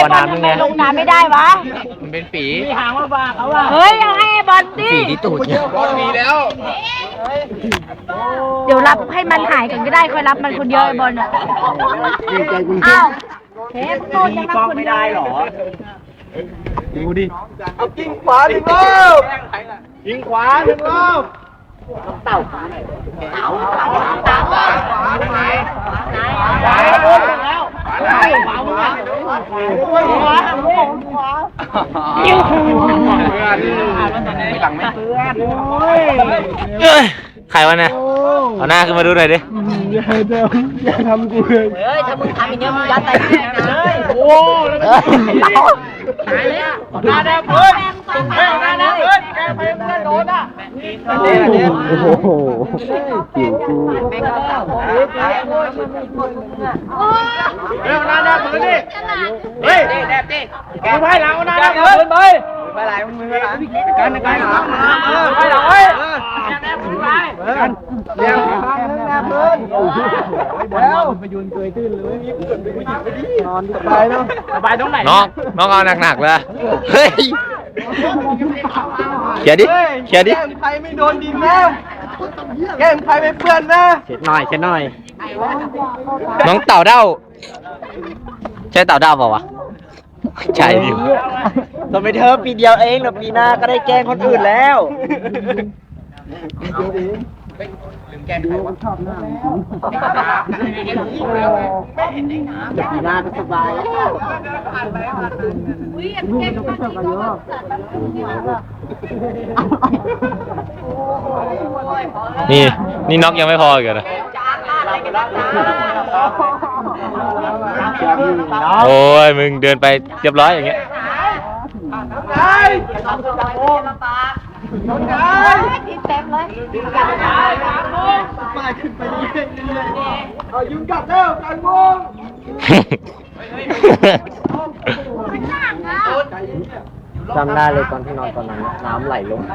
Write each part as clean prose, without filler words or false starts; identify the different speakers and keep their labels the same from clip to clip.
Speaker 1: อน้ำนึงนะ
Speaker 2: ลงน้ำไม่ได้วะ
Speaker 1: มันเป็นฝี
Speaker 3: มีหางมาบากเขาว่า
Speaker 2: เฮ้ยยังให้บอลดิ
Speaker 1: ฝีที่ตูดเนี่ย
Speaker 4: มีแล้ว
Speaker 2: เดี๋ยวรับให้มันหายกันก็ได้ค่อยรับมันคนเดียวไอ้บอลอ่ะอ้าวเทปโดนยังรับคนเดียว
Speaker 4: ดูดิเอายิงขวาหนึ่งรอบยิงขวาหนึ่งรอบเต่าขวาไหนขวาบนแล้วขวามึงอ่ะขวายิ้วหลังไม่เพื่อน
Speaker 1: ใครวะเนี่ยเอาหน้าขึ้นมาดูหน่อยดิ
Speaker 4: อย่าทำกูเลย
Speaker 2: เฮ้ยถ้ามึงทำอย่างเงี้ยมึงยัดใส่แม่นะเลยโอ้หายเลยอ่ะหน้าแดงเพื่อนหน้าแดงเพื่อนแกไปเพื่อนโดนอ่ะ
Speaker 1: โอ้โหหิวกู
Speaker 4: เร็วหน้าแดงเพื่อนดิเฮ้ยแดงดิแกไปหลังหน้าแดงเพื่อนไปไหลมึงไปไหลกันไปหลังไปหลังเฮ้ยแดงเพื่อนไปกันเดี๋ยวแดงเพื่อนแล้วไปยืนเกยตื้นเลยนอนสบายเนาะสบายตรงไหน
Speaker 1: น้องเอาหนักๆเลยเฮ้ยเขียดิ
Speaker 4: แก้มใครไม่โดนดินนะแก้มใครไม่เปื้อนนะ
Speaker 1: เช็ดหน่อยน้องเต่าเด้าใช่เต่าเด้าเปล่าวะใช่ดิ
Speaker 3: ทำไมเธอปีเดียวเองหรอปีหน้าก็ได้แกล้งคนอื่นแล้วปีหน้าก็สบาย
Speaker 1: นี่น็อกยังไม่พออีกเหรอโอ้ยมึงเดินไปเรียบร้อยอย่างเงี้ย
Speaker 2: ทีเต็มเลย
Speaker 4: มาขึ้นไปเรื่อยๆเอายุงกัดแล้วกันงง
Speaker 3: จำได้เลยตอนที่นอนตอนนั้นน้ำไหลลง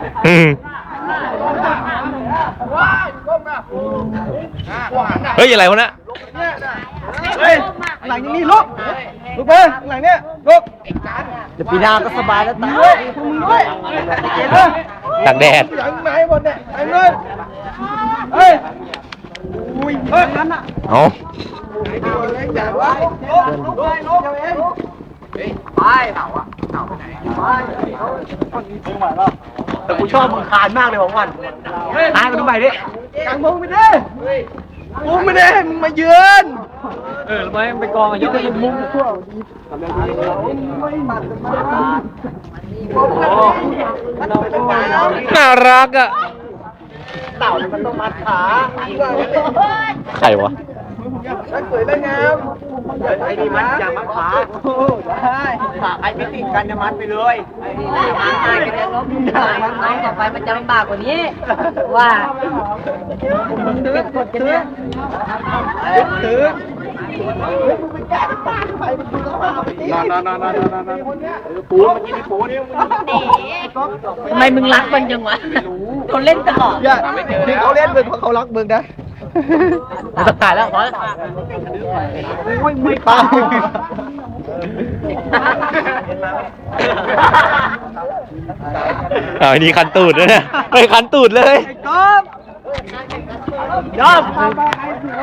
Speaker 1: เฮ้ยอะไรวะเนี่ย
Speaker 4: เฮ้ยหลังนี้ลุกไปหลังเนี้ยลุก
Speaker 3: เดี๋ยวปีหน้าก็สบายแล้วตา
Speaker 4: มึงด้วย
Speaker 1: ตากแดด
Speaker 4: หลังไหนหมดเนี่ยไอ้เงินเฮ้ยอุ้ยเฮ้ยนั่นน่ะ
Speaker 1: เอา
Speaker 3: แต่กูชอบมึงคานมากเลยของวันตายมาดูใหม่ดิ
Speaker 4: กังพงไปดิมุ้งไม่ได้มึงมาเยือน
Speaker 3: แล้วไม่ไปกองยกเป็นมุ้งทั่ว
Speaker 1: น่ารักอ่ะ
Speaker 4: เต่ามันต้องมัดขา
Speaker 1: ใครวะ
Speaker 4: ฉันสวยได้งาม
Speaker 3: ไอ้นี่มัดอย่ามัดขา
Speaker 4: ได้
Speaker 3: ขาไอ้ไม่ติดกันจะมัดไปเลย
Speaker 2: ตายกันแล้วล้มน้องต่อไปมันจะลำบากกว่านี้ว่า
Speaker 4: ถือนปูเมื่อกี้นี่ปูนี่
Speaker 2: ทำไมมึงรักมันจังวะเขาเล่นตลอด
Speaker 4: ที่เขาเล่นมึงเพราะเขารักมึงนะ
Speaker 3: จะตายแล้วขอ
Speaker 4: ไม่ตาย
Speaker 1: อ้าวนี่คันตูดเลยเนี่ยไปคันตูดเลย
Speaker 4: ก๊อฟยอม